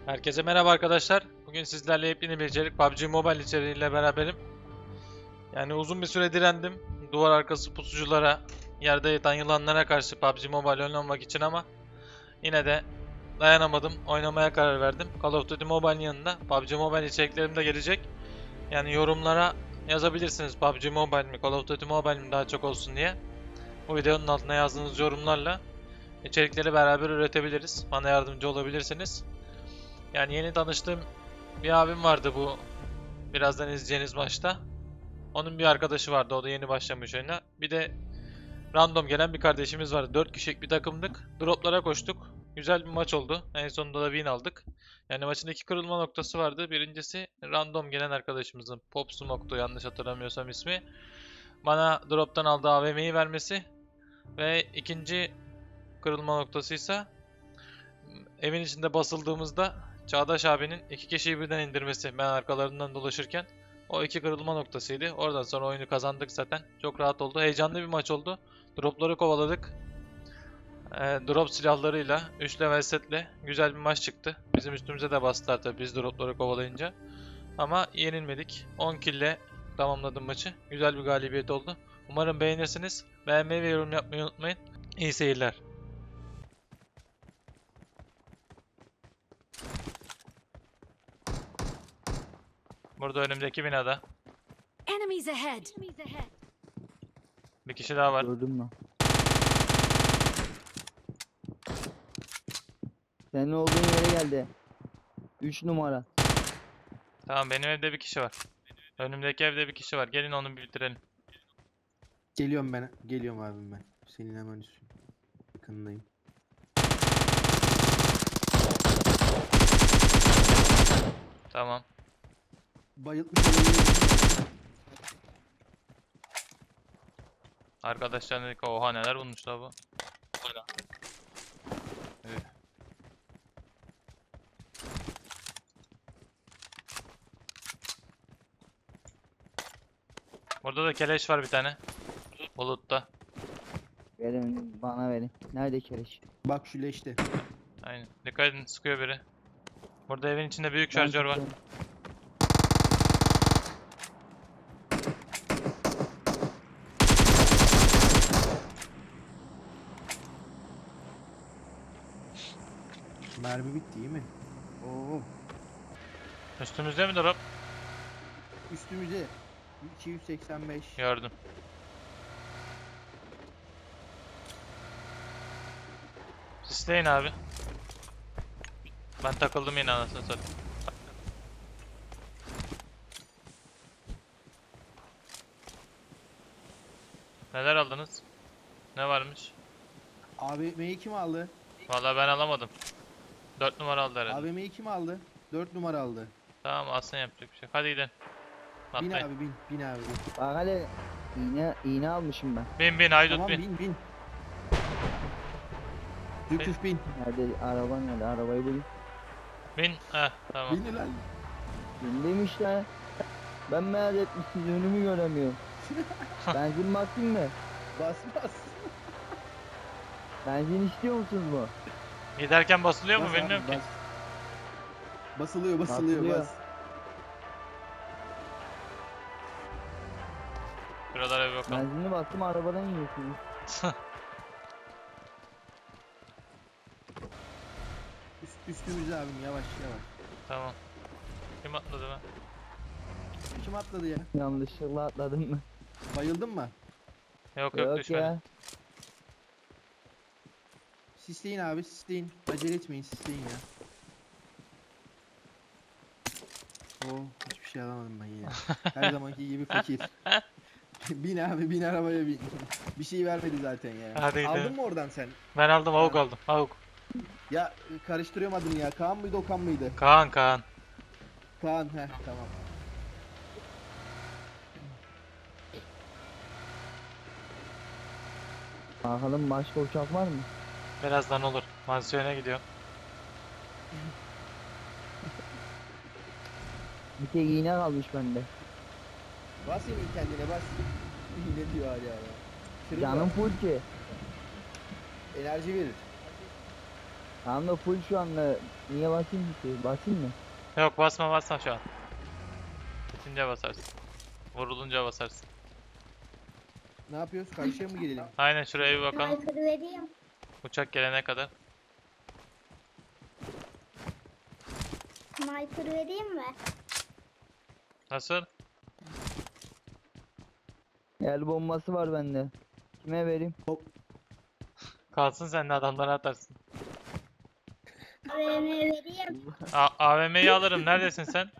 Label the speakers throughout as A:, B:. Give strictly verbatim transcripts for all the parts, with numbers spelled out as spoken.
A: Herkese merhaba arkadaşlar. Bugün sizlerle yepyeni bir içerik P U B G Mobile içeriğiyle beraberim. Yani uzun bir süre direndim. Duvar arkası pusuculara, yerde yatan yılanlara karşı P U B G Mobile oynamak için ama yine de dayanamadım. Oynamaya karar verdim. Call of Duty Mobile'in yanında P U B G Mobile içeriklerim de gelecek. Yani yorumlara yazabilirsiniz P U B G Mobile mi, Call of Duty Mobile mi daha çok olsun diye. Bu videonun altına yazdığınız yorumlarla içerikleri beraber üretebiliriz. Bana yardımcı olabilirsiniz. Yani yeni tanıştığım bir abim vardı bu birazdan izleyeceğiniz maçta. Onun bir arkadaşı vardı, o da yeni başlamış oyuna. Bir de random gelen bir kardeşimiz vardı. dört kişilik bir takımdık. Droplara koştuk. Güzel bir maç oldu. En sonunda da win aldık. Yani maçın iki kırılma noktası vardı. Birincisi random gelen arkadaşımızın Pop Smoke'tu yanlış hatırlamıyorsam ismi. Bana droptan aldığı A V M'yi vermesi. Ve ikinci kırılma noktası ise evin içinde basıldığımızda Çağdaş abinin iki kişiyi birden indirmesi ben arkalarından dolaşırken. O iki kırılma noktasıydı. Oradan sonra oyunu kazandık zaten. Çok rahat oldu. Heyecanlı bir maç oldu. Dropları kovaladık. E, drop silahlarıyla, üç level setle güzel bir maç çıktı. Bizim üstümüze de bastılar tabii biz dropları kovalayınca. Ama yenilmedik. on kill ile tamamladım maçı. Güzel bir galibiyet oldu. Umarım beğenirsiniz. Beğenmeyi ve yorum yapmayı unutmayın. İyi seyirler. Burada önümdeki binada.
B: Enemies ahead.
A: Bir kişi daha var.
C: Gördün mü? Senin olduğun yere geldi. üç numara.
A: Tamam benim evde bir kişi var. Önümdeki evde bir kişi var. Gelin onu bir bitirelim.
D: Geliyorum ben. Geliyorum abim ben. Senin hemen üstün. Yakınındayım.
A: Tamam.
D: Bayıltmış olabilirim.
A: Arkadaşlar dedik oha neler bulmuşlar bu. Üf. Burada da keleş var bir tane. Bulutta.
C: Verin bana verin. Nerede kereç?
D: Bak şu leşte.
A: Aynen. Dikkat edin sıkıyor biri. Burada evin içinde büyük
C: Ben
A: şarjör var.
C: tutuyorum.
D: Mermi bitti iyi mi? Oo.
A: Üstümüzde mi drop?
D: Üstümüze. iki yüz seksen beş.
A: Gördüm. Sisleyin abi. Ben takıldım yine anasını satayım. Neler aldınız? Ne varmış?
D: A V M'yi kim aldı?
A: Vallahi ben alamadım. dört numara aldı herhalde.
D: A V M'yi kim aldı? dört numara aldı.
A: Tamam alsın yapacak bir şey. Hadi gidelim.
D: Bin
A: Atlayın.
D: abi bin. Bin abi bin.
C: Bak hele iğne, iğne almışım ben.
A: Bin bin haydut
D: Tamam
A: bin.
D: bin bin. Zülküf bin.
C: Nerede araba nerede? Arabayı bulayım.
A: Bin. Heh tamam.
D: Bin lan.
C: Bildim işte. Ben merak etmişsiniz önümü göremiyorum. Benzin bakayım mı?
D: Bas bas.
C: Benzin istiyor musunuz mu?
A: Giderken basılıyor mu
D: Bas abi,
A: bilmiyorum ki.
D: bas. Basılıyor basılıyor
C: Basılıyor.
D: bas.
A: Şuralara bir bakalım.
C: Benzinli bastım arabadan iniyorsunuz.
D: Üst, üstümüze abim yavaş yavaş.
A: Tamam. Kim atladı be?
D: Kim atladı ya?
C: Yanlışlıkla atladım mı?
D: Bayıldın mı?
A: Yok yok,
C: Yok
A: düşmedi.
C: ya.
D: Sisleyin abi sisleyin. Acele etmeyin sisleyin ya. Oo hiçbir şey alamadım ben yine. Her zamanki gibi fakir. Bin abi bin arabaya bin. Bir şey vermedi zaten ya.
A: Hadi
D: Aldın
A: gidelim.
D: mı oradan sen?
A: Ben aldım avuk
D: Ha.
A: aldım. Avuk.
D: Ya karıştırıyorum adını ya. Kaan mıydı Okan mıydı?
A: Kaan Kaan.
D: Kaan heh tamam.
C: Bakalım başka uçak var mı?
A: Birazdan olur. Mansiyona gidiyor.
C: Bir tek iğne kalmış bende.
D: Bas yine kendine bas. Ne diyor hala ya. Kırılma.
C: Canım full ki.
D: Enerji verir.
C: Tamam da full şu anda. Niye basayım ki? Basayım mı?
A: Yok basma basma şu an. Bitince basarsın. Vurulunca basarsın.
D: Ne yapıyoruz? Karşıya mı gelelim?
A: Aynen şuraya bir bakalım.
E: Sniper vereyim.
A: Uçak gelene kadar.
E: Sniper vereyim mi?
A: Nasıl?
C: El bombası var bende. Kime vereyim?
A: Kalsın sen de adamlara atarsın.
E: A V M vereyim.
A: A AVM'yi alırım. Neredesin sen?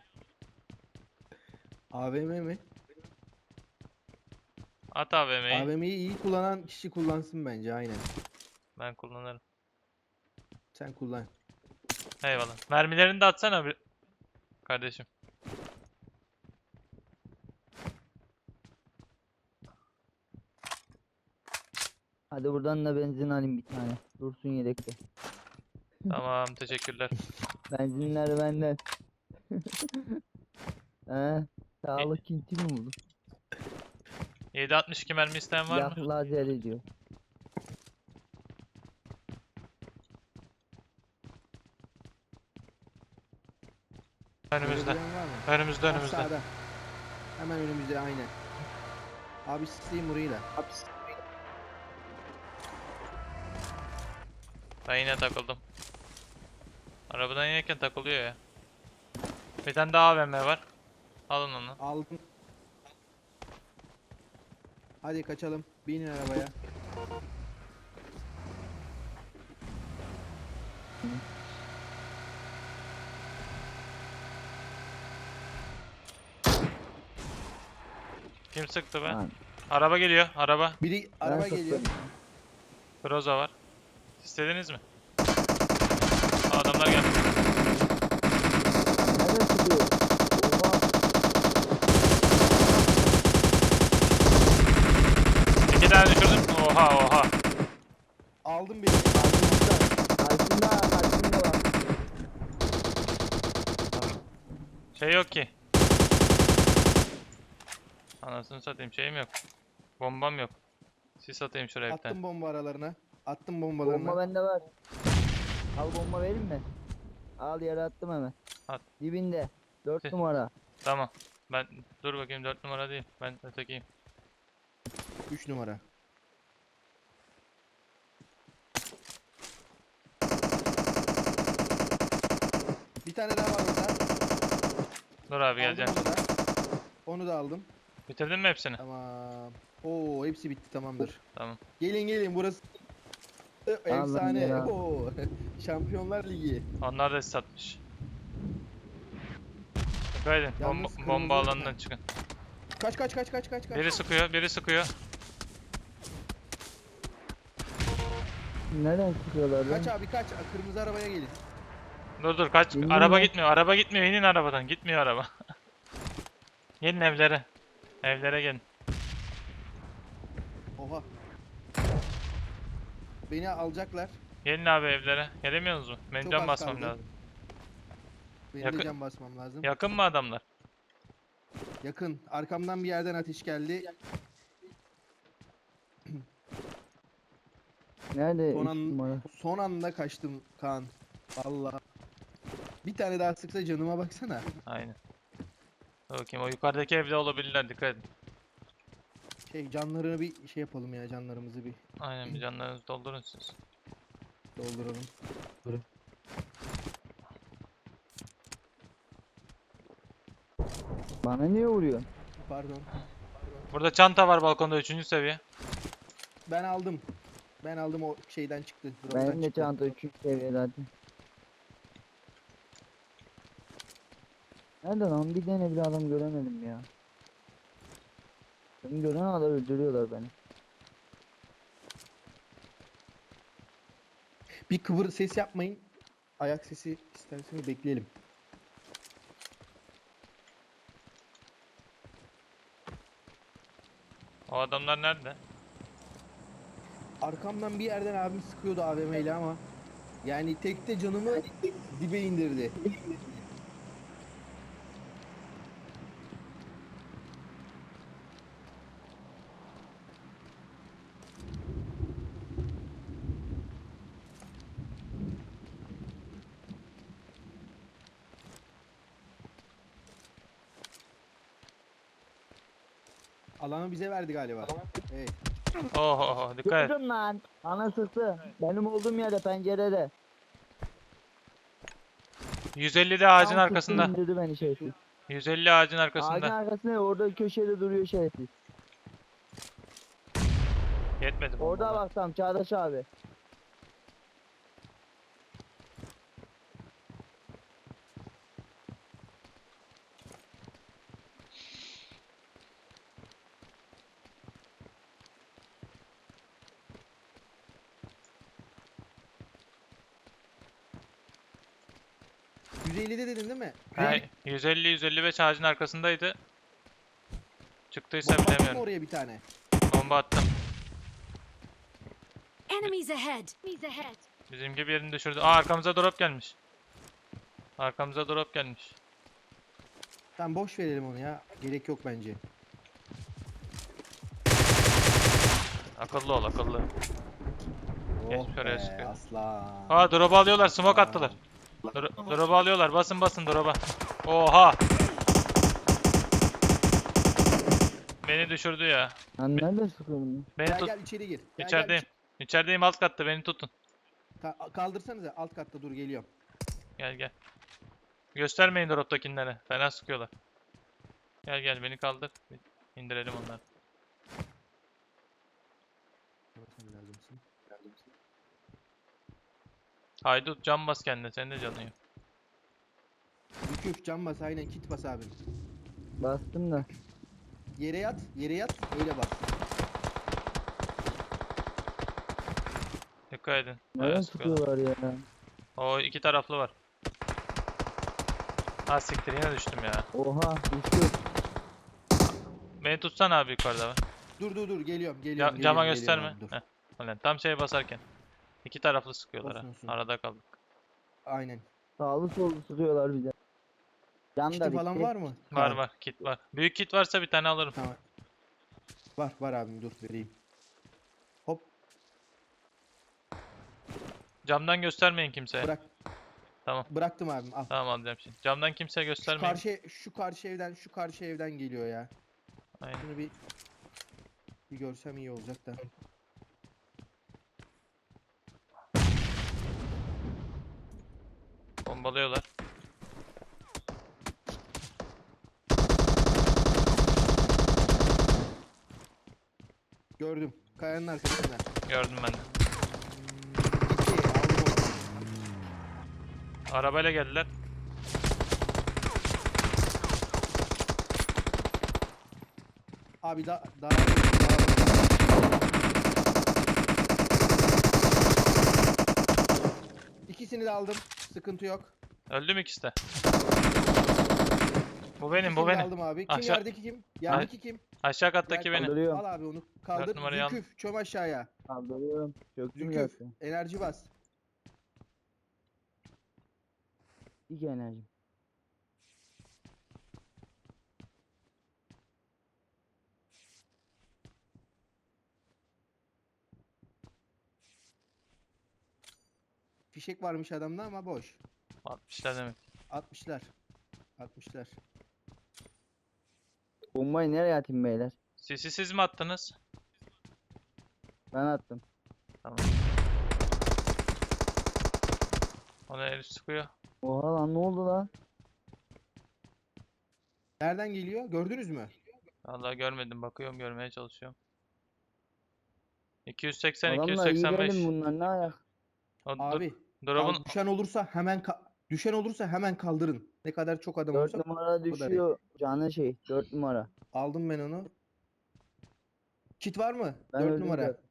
D: A V M mi?
A: At A V M'yi.
D: A V M'yi iyi kullanan kişi kullansın bence aynen.
A: Ben kullanırım.
D: Sen kullan.
A: Eyvallah. Mermilerini de atsana bir kardeşim.
C: Hadi buradan da benzin alayım bir tane. Dursun yedekte.
A: Tamam teşekkürler.
C: Benzinler benden. He, sağlık kinti mi buldun?
A: yedi altmış iki mermi isteyen var
C: Silah
A: mı?
C: lazer ediyor.
A: Önümüzde.
D: Görebilen var mı?
A: Önümüzde
D: Ha,
A: önümüzde.
D: sağda. Hemen önümüzde aynen. Abi sisteyim burayı da.
A: Ben yine takıldım. Arabadan inerken takılıyor ya. Bir tane daha A V M var. Alın onu.
D: Aldım. Hadi kaçalım. Binin arabaya.
A: Kim sıktı be?
C: Lan,
A: Araba geliyor. Araba.
D: Biri
C: ben
D: araba
C: sıktım.
D: geliyor.
A: Groza var. İstediniz mi? Aa, adamlar geldi.
C: Nereden çıkıyor? Oha.
A: İki tane düşürdüm. Oha oha.
D: Aldım biri.
C: Karşımda, karşımda var.
A: Şey yok ki. Anasını satayım şeyim yok. Bombam yok. Sis atayım şuraya bir tane.
D: Attım bomba aralarına. Attım bombalarına.
C: Bomba bende var. Al bomba vereyim mi? Al yere attım hemen.
A: At.
C: Dibinde. Dört
A: Tüh.
C: numara.
A: Tamam. Ben dur bakayım dört numara değil. Ben ötekiyim.
D: üç numara. Bir tane daha var orada.
A: Dur abi
D: Aldım
A: geleceğim.
D: onu da. Onu da aldım.
A: Bitirdin mi hepsini?
D: Tamam. Oo hepsi bitti tamamdır.
A: Tamam.
D: Gelin gelin burası efsane.
C: ya.
D: Oo. Şampiyonlar Ligi.
A: Onlar da sis atmış. Dikkat edin.
D: Yalnız
A: Bomba,
D: kırmızı
A: bomba
D: yok
A: alanından
D: mu?
A: çıkın.
D: Kaç kaç kaç kaç kaç kaç.
A: Biri sıkıyor, biri sıkıyor.
C: Nereden çıkıyorlar
D: Kaç
C: lan?
D: abi kaç. Kırmızı arabaya gelin.
A: Dur dur kaç.
C: Geliyor
A: Araba
C: mu?
A: gitmiyor, araba gitmiyor. İnin arabadan. Gitmiyor araba. Gelin evlere. Evlere gelin.
D: Oha. Beni alacaklar.
A: Gelin abi evlere. Gelemiyorsunuz mu? Benim
D: Çok
A: can
D: az
A: basmam
D: kaldı.
A: lazım.
D: Benim
A: Yakın-
D: de can basmam lazım.
A: Yakın mı adamlar?
D: Yakın. Arkamdan bir yerden ateş geldi.
C: Nerede?
D: Son,
C: Üç
D: an,
C: numara.
D: son anda kaçtım Kaan. Vallahi. Bir tane daha sıksa canıma baksana.
A: Aynen. Dur bakayım o yukarıdaki evde olabilirler. Dikkat edin.
D: Şey canlarını bir şey yapalım ya canlarımızı bir
A: Aynen bir canlarınızı doldurun siz.
D: dolduralım.
C: Bana niye vuruyorsun?
D: Pardon.
A: Burada çanta var balkonda üçüncü seviye.
D: Ben aldım. Ben aldım o şeyden çıktı. drop'tan
C: Benim de
D: çıktı.
C: çanta üçüncü seviye zaten. Nerede lan? Bir tane bile adam göremedim ya. Beni gören adam öldürüyorlar beni.
D: Bir kıvır ses yapmayın. Ayak sesi isterseniz bekleyelim.
A: O adamlar nerede?
D: Arkamdan bir yerden abim sıkıyordu A V M ile ama yani tekte canımı dibe indirdi. Alanı bize verdi galiba. Evet.
A: Oho dikkat et.
C: Gördüm lan. Ana sıktı. Benim olduğum yerde pencerede.
A: yüz ellide ağacın
C: Tam sıktı,
A: arkasında.
C: indirdi beni şerefsiz.
A: yüz elli ağacın
C: Ağacın
A: arkasında.
C: arkasında orada köşede duruyor şerefsiz.
A: Yetmedi
C: Orada
A: bombalar.
C: bak tam Çağdaş abi.
D: yüz ellide dedin değil mi?
A: He, yüz elli yüz elli beş ağacın arkasındaydı. Çıktıysa
D: Bomba attın mı
A: bilemiyorum.
D: oraya bir tane?
A: Bomba attım.
B: Enemies ahead. Enemies ahead.
A: Bizimki bir yerini düşürdü. Aa arkamıza drop gelmiş. Arkamıza drop gelmiş.
D: Tamam boş verelim onu ya. Gerek yok bence.
A: Akıllı ol akıllı. Geç
D: Oh
A: şuraya
D: be,
A: sıkıyor.
D: aslan.
A: Aa drop'u alıyorlar, smoke attılar. Dro- Drop'u alıyorlar, basın basın drop'a. Oha! Beni düşürdü ya.
C: Lan nerede sıkıyorum?
A: Beni
D: Gel
A: tut.
D: gel içeri gir. Gel, gel,
A: İçerideyim. İçerideyim, alt katta, beni tutun.
D: içi- Ka- kaldırsanıza alt katta dur geliyorum.
A: Gel gel. Göstermeyin drop'takilere. Fena sıkıyorlar. Gel gel beni kaldır. İndirelim onları.
D: Sen lazımsın. Lazımsın.
A: Haydut can bas kendine, senin de canın yok.
D: Yüküf can bas aynen kit bas abim.
C: Bastım da.
D: Yere yat, yere yat öyle bas.
A: Dikkat edin.
C: Nereden
A: Bayağı sıkıyorlar.
C: sıkıyorlar ya?
A: O iki taraflı var. Ha siktir, yine düştüm ya.
C: Oha düştü.
A: Beni tutsan abi yukarıda var.
D: Dur dur dur geliyorum
A: Ya,
D: geliyorum.
A: cama
D: geliyorum,
A: gösterme.
D: geliyorum abi, dur.
A: Heh. Ulan tam şeye basarken. İki taraflı sıkıyorlar
D: Olsun,
A: ha.
D: olsun.
A: Arada kaldık.
D: Aynen.
C: Sağlı sollu sıkıyorlar bize. Can da
D: Kiti falan
C: bitti.
D: var mı?
A: Var
D: Kaan?
A: var, kit var. Büyük kit varsa bir tane alırım.
D: Tamam. Var var abim dur vereyim. Hop
A: Camdan göstermeyin kimseye.
D: bırak.
A: Tamam.
D: Bıraktım abim al.
A: Tamam alacağım şimdi. Camdan kimseye
D: Şu
A: göstermeyin.
D: karşı şu karşı evden şu karşı evden geliyor ya.
A: Aynen.
D: Bunu bir bir görsem iyi olacak da.
A: Bombalıyorlar.
D: Gördüm. Kayanın arkasında.
A: Gördüm ben de.
D: Gitti. Aldım onu.
A: Arabayla geldiler.
D: Abi da daha İkisini de aldım. Sıkıntı yok.
A: Öldü mü ikisi de? Bu benim,
D: İkisini
A: bu
D: de
A: benim.
D: aldım abi. Kim
A: Aşağı-
D: yerdeki kim? Yerdeki kim?
A: Aşağı kattaki
D: Gel,
A: benim.
C: Kaldırıyorum.
D: Al abi onu. Kaldır.
A: numarayı al.
D: Züküf çöm aşağıya.
C: Kaldırıyorum. Çöktüm
D: Züküf
C: zaten.
D: enerji bas.
C: İki enerjim.
D: Fişek varmış adamda ama boş.
A: altmışlar demek.
D: altmışlar. altmışlar.
C: Bombayı nereye atayım beyler?
A: Sisi siz mi attınız?
C: Ben attım.
A: Ona herif sıkıyor.
C: Oha lan ne oldu lan?
D: Nereden geliyor? Gördünüz mü?
A: Vallahi görmedim, bakıyorum, görmeye çalışıyorum. iki yüz seksen
C: Adamlar iyi
A: iki yüz seksen beş.
C: benim bunlar ne ayak?
A: O dur-
D: Abi
A: drop'un
D: kal- düşen olursa hemen ka- düşen olursa hemen kaldırın. Ne kadar çok adam
C: Dört
D: olursa
C: numara düşüyor. Canı şey. Dört numara.
D: aldım ben onu. Kit var mı?
C: Ben
D: dört
C: öldüm
D: numara.
C: zaten.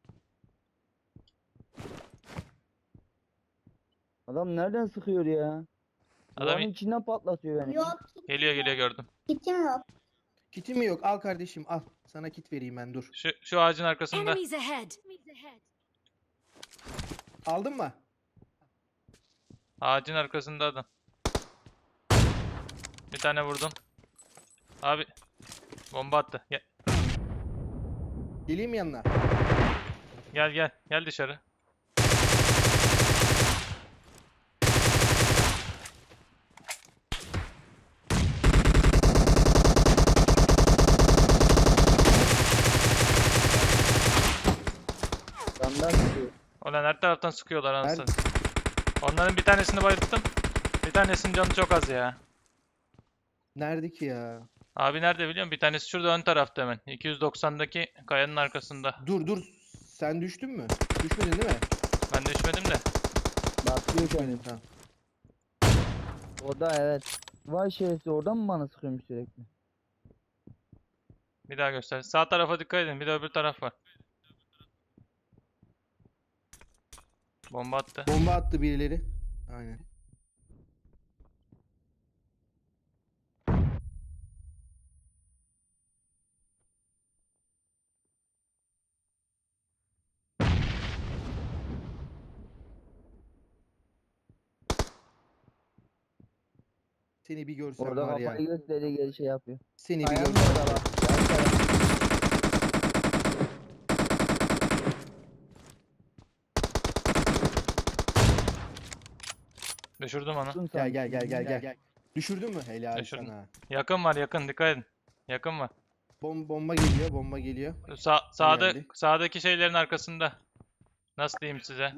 C: Adam nereden sıkıyor ya?
A: Adam
C: Duvarın içinden patlatıyor beni.
E: Yok.
A: geliyor geliyor gördüm.
E: Kitim yok.
D: Kitin mi yok? Al kardeşim al. Sana kit vereyim ben dur.
A: Şu şu ağacın arkasında.
B: Enemies ahead. Enemies ahead.
D: Aldın mı?
A: Ağacın arkasında adam. Bir tane vurdum. Abi bomba attı. Gel
D: Geleyim yanına.
A: gel gel, gel dışarı. Ulan her taraftan sıkıyorlar
D: Her-
A: anasını. Onların bir tanesini bayılttım. Bir tanesinin canı çok az ya.
D: Nerede ki ya?
A: Abi nerede biliyor musun? Bir tanesi şurada ön tarafta hemen. iki yüz doksan'daki kayanın arkasında.
D: Dur dur. Sen düştün mü? Düşmedin değil mi?
A: Ben düşmedim de.
C: Bakıyor
D: Düşmedin
C: kendini.
D: tamam.
C: O da evet. Vay şerefsiz oradan mı bana sıkıyormuş sürekli?
A: Bir daha göster. Sağ tarafa dikkat edin. Bir de öbür taraf var. Bomba attı.
D: Bomba attı birileri. Aynen. Seni bir görsem
C: Orada
D: var ya.
C: kafayı gösteriyor geri şey yapıyor.
D: Seni bir
C: Kayanın
D: görsem.
C: orada bak. yan taraf.
A: Düşürdüm onu.
C: Tutun
D: Gel
C: sen.
D: gel gel gel gel. Düşürdün mü? Helal
A: Düşürdüm.
D: sana.
A: Yakın var yakın. Dikkat edin. Yakın var.
D: Bom bomba geliyor, bomba geliyor.
A: Sa sağda
D: geldi.
A: sağdaki şeylerin arkasında. Nasıl diyeyim size?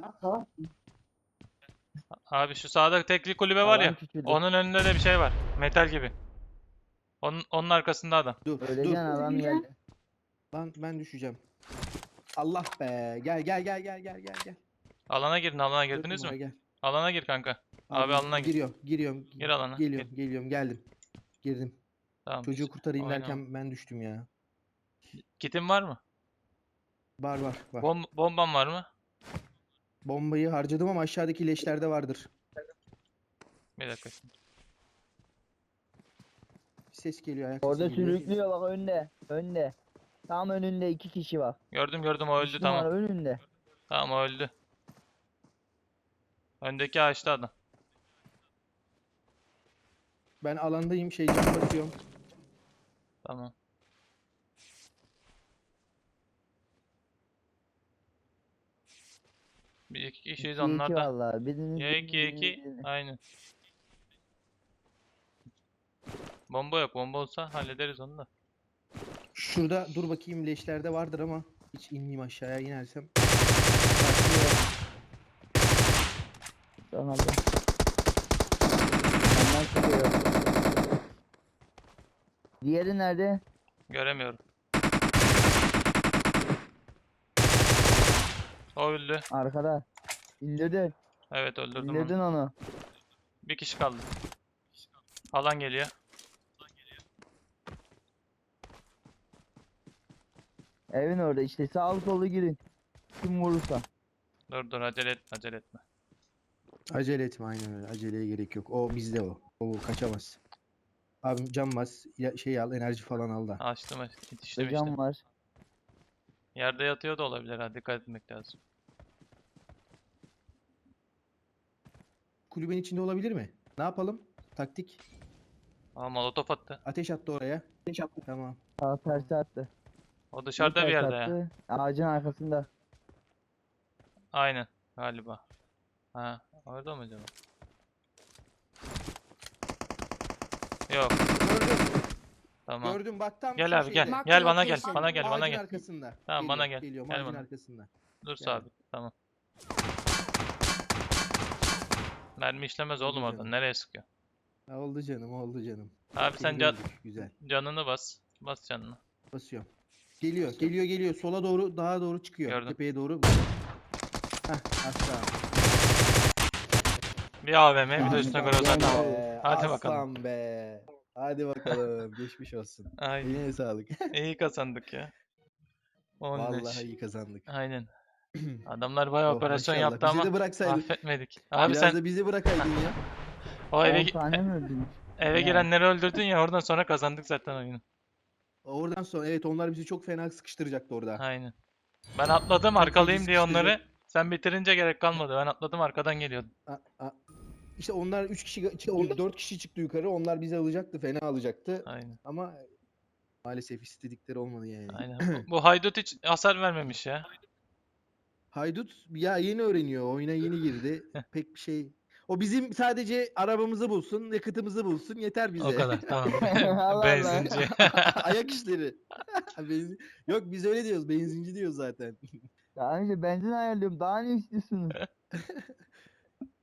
A: Abi şu sağda tekli kulübe var ya.
C: Alan küçüldü.
A: Onun önünde de bir şey var. Metal gibi. Onun, onun arkasında adam.
D: Dur, dur.
C: Öleceksin adam geldi.
D: Lan ben düşeceğim. Allah be. Gel gel gel gel gel gel gel.
A: Alana girin, alana
D: Dört
A: girdiniz
D: numara
A: mi?
D: Gel.
A: Alana gir kanka. Abi alana gir.
D: Giriyorum, giriyorum.
A: Gir alana.
D: Geliyorum,
A: Gir.
D: geliyorum, geldim. Girdim.
A: Tamam.
D: Çocuğu kurtarayım
A: Aynen.
D: derken ben düştüm ya.
A: Kitin var mı?
D: Var var var.
A: Bom bomban var mı?
D: Bombayı harcadım ama aşağıdaki leşlerde vardır.
A: Bir dakika. şimdi.
D: Bir ses geliyor ayak
C: Orada
D: sesi geliyor.
C: sürüklüyor bak önde. Önde. Tam önünde iki kişi var.
A: Gördüm gördüm o öldü
C: Üç
A: tamam.
C: numara önünde.
A: Tamam o öldü. Öndeki ağaçta adam.
D: Ben alandayım, şey cam basıyorum.
A: Tamam. Bir iki kişiyiz
C: İki iki
A: onlarda.
C: vallahi. Birinin
A: Ya iki
C: birinin
A: iki.
C: birinin.
A: Aynen. Bomba yok. Bomba olsa hallederiz onu da.
D: Şurada dur bakayım leşlerde vardır ama hiç inmeyeyim aşağıya inersem.
C: Tamam. Ondan çıkıyor. Diğeri nerede?
A: Göremiyorum. O öldü.
C: Arkada. İndirdin.
A: Evet öldürdüm
C: İndirdin
A: onu.
C: onu.
A: Bir kişi kaldı. Alan geliyor.
C: Evin orada işte sağ solu girin. Kim vurursa.
A: Dur dur acele etme acele etme.
D: Acele etme aynen öyle. Aceleye gerek yok. O bizde o. O kaçamaz. Abim cam bas. Ya, şey al enerji falan al da.
A: Açtım açtım. Yetiştim işte.
C: Hocam var.
A: Yerde yatıyor da olabilir ha. Dikkat etmek lazım.
D: Kulübenin içinde olabilir mi? Ne yapalım? Taktik.
A: Aa molotof attı.
D: Ateş attı oraya. Ateş attı. Tamam.
C: Sağ tersi attı.
A: O dışarıda bir
C: ters
A: yerde ya.
C: attı. Ağacın arkasında.
A: Aynen galiba. Ha orada mı acaba? Yok.
D: Gördüm.
A: Tamam.
D: Gördüm bak tam
A: Gel
D: şu
A: abi gel.
D: şeyde.
B: Mark
A: Gel
B: the
A: bana gel.
B: location.
A: Bana gel bana
D: Ağacın
A: gel.
D: arkasında.
A: Tamam, bana
D: Geliyor,
A: gel.
D: Geliyorum
A: Gel
D: ağacın
A: bana.
D: arkasında.
A: Dur
D: Geldim.
A: sabit. Tamam. Mermi işlemez oğlum
D: Oldu
A: oradan.
D: canım.
A: Nereye sıkıyor?
D: Ha, oldu canım oldu canım.
A: Abi sen
D: Seni
A: can,
D: gördük, güzel.
A: canını bas. Bas canını.
D: Basıyorum. Geliyor geliyor geliyor. Sola doğru daha doğru çıkıyor.
A: Gördüm.
D: Tepeye doğru. Hah aşağı.
A: Bir A V M bir de
C: Tamam,
A: üstüne
C: tamam,
A: Groza
C: gel
A: tamam.
D: Be,
A: Hadi bakalım.
D: aslan be. Hadi bakalım. Geçmiş olsun.
A: Ay
D: Eline sağlık.
A: iyi kazandık ya. on beş.
D: Vallahi iyi kazandık.
A: Aynen. Adamlar bayağı
D: Oh,
A: operasyon
D: maşallah.
A: yaptı
D: Bizi
A: ama
D: de bıraksaydık.
A: affetmedik. Abi
D: Biraz
A: sen
D: da bizi bırakaydın ya.
A: o eve,
C: on tane mi öldünüz?
A: eve
C: Yani.
A: girenleri öldürdün ya oradan sonra kazandık zaten oyunu.
D: Oradan sonra evet onlar bizi çok fena sıkıştıracaktı orada.
A: Aynen. Ben atladım
D: Çok
A: arkalayayım
D: feci
A: diye onları.
D: sıkıştırdı.
A: Sen bitirince gerek kalmadı. Ben atladım arkadan geliyordum.
D: A- a- İşte onlar üç kişi, dört kişi çıktı yukarı. Onlar bizi alacaktı, fena alacaktı.
A: Aynen.
D: Ama maalesef istedikleri olmadı yani.
A: Aynen. Bu, bu haydut hiç hasar vermemiş ya.
D: Haydut ya yeni öğreniyor, oyuna yeni girdi. Pek bir şey. O bizim sadece arabamızı bulsun, yakıtımızı bulsun yeter bize.
A: O kadar tamam.
C: Allah Allah.
A: Benzinci.
D: Ayak işleri. Benzin... Yok biz öyle diyoruz, benzinci diyoruz zaten.
C: Daha önce benzin ayarlıyorum. Daha ne istiyorsunuz?